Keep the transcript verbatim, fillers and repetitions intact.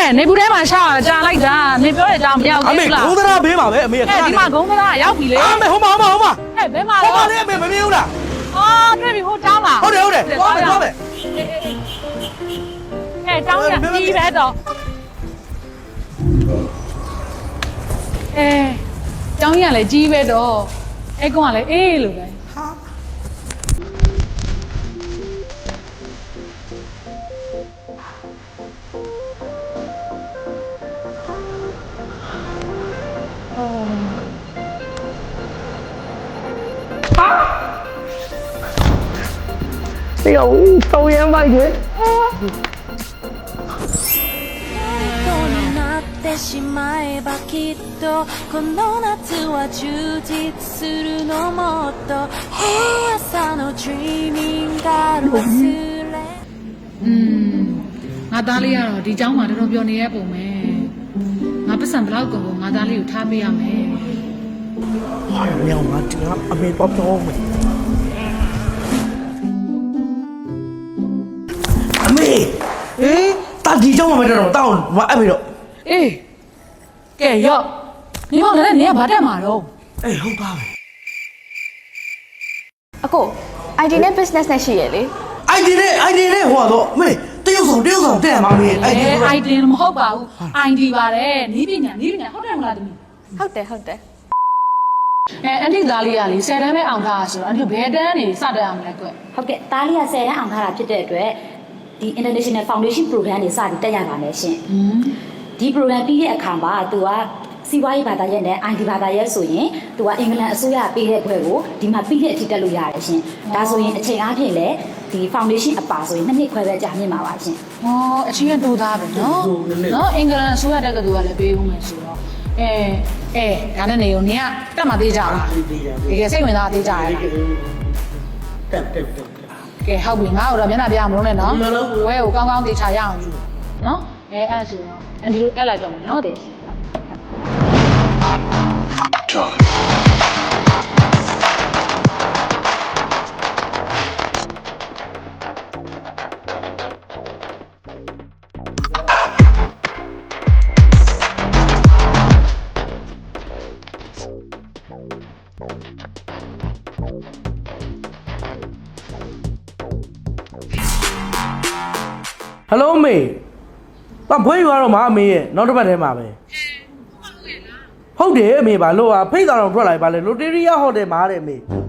နေဘူးထဲမှာရှာကြာလိုက်တာနေပြောတဲ့အကြောင်းမရောက်အမေဘူးလားဂုံးသရာဘေးပါပဲအမေခဏဒီမှာဂုံးသားရောက်ပြီလေအမေဟိုမှာဟိုမှာဟိုမှာဟဲ့ဘယ်မှာဟိုလဲမှာလေအမေမမြင်ဘူးလားအော်တွေ့ပြီဟိုတောင်းလာဟုတ်တယ်ဟုတ်တယ်သွားမယ်သွားမယ်ဟဲ့တောင်းရပြီးပဲတော့အဲတောင်းရလည်းကြီးပဲတော့အဲ့ကောင်ကလည်းအေးလို့ပဲဟာ哎呀，抽烟吧你！ ってしまえばきっとこの夏は充実するのもっと朝の dreaming が忘れอืมငါသားလေးကတော့ဒီเจ้าမှာတော်တော်ပြောနေရပုံပဲငါပတ်စံဘလောက်ကုန်ငါသားလေးကိုထားပေးရမယ်哎呀，喵啊，这个阿妹包装没？阿妹，哎，大地叫我们这种，到我阿妹了。 အေးကဲရော့နေမောင်လည်းနေကဘာတက်မှာတော့哎，好大呗。 အကို I D နဲ့ business နဲ့ရှိရလေ I D 呢？I D 呢？我说妹，这有手，这有手，这妈咪，I D အဲ ไอ ดี မဟုတ်ပါဘူး ไอ ดี ပါတယ်နီးပညာနီးပညာဟုတ်တယ်မလားတမီးဟုတ်တယ်ဟုတ်တယ်အဲအန်တီသားလေးကလေဆယ်တန်းပဲအောင်ထားတာဆိုတော့အန်တီဘယ်တန်းနေစတက်အောင်လဲကွဟုတ်ကဲ့တားလေးကဆယ်တန်းအောင်ထားတာဖြစ်တဲ့အတွက်ဒီ International Foundation Program တွေစပြီးတက်ရပါမယ်ရှင်อืมဒီ program ပြီးတဲ့အခါမှာသူကစီးပွားရေးဘာသာရပ်နဲ့ I T ဘာသာရပ်ဆိုရင်သူကအင်္ဂလန်အစိုးရပေးတဲ့ဘွဲကိုဒီမှာပြီးတဲ့အထိတက်လို့ရတယ်ရှင်ဒါဆိုရင်အချိန်အားဖြင့်လည်းဒီ foundation အပါဆိုရင်နှစ်နှစ်ခွဲပဲကြာမြင့်ပါပါရှင်ဟောအချင်းတူသားပဲနော်နော်အင်္ဂလန်အစိုးရတက်ကတူကလည်းပေးဦးမယ်ဆိုတော့အဲအဲဒါနဲ့နေုံနေကတက်မှသေးကြလားတကယ်စိတ်ဝင်စားသေးကြရလားတက်တက်တက်ကဲဟုတ်ပြီငါ့ကိုတော့မျက်နှာပြမလို့နဲ့နော်ဝဲကိုကောင်းကောင်းသေချာရအောင်ယူနော်အဲအဲ့ဆိုတော့အန်ဒီလိုအဲ့လိုက်တော့မယ်နော်တဲ့ Hello မေ။ဘာဘွေးယူရတော့မအမေရဲ့နောက်တစ်ပတ်ထဲမှာပဲ။ဟုတ်တယ်အမေပါလို့ဟာဖိတ်တော်တော်ထွက်လာပြီပါလေလိုတေရီယာဟိုတယ်မှာတဲ့မေ။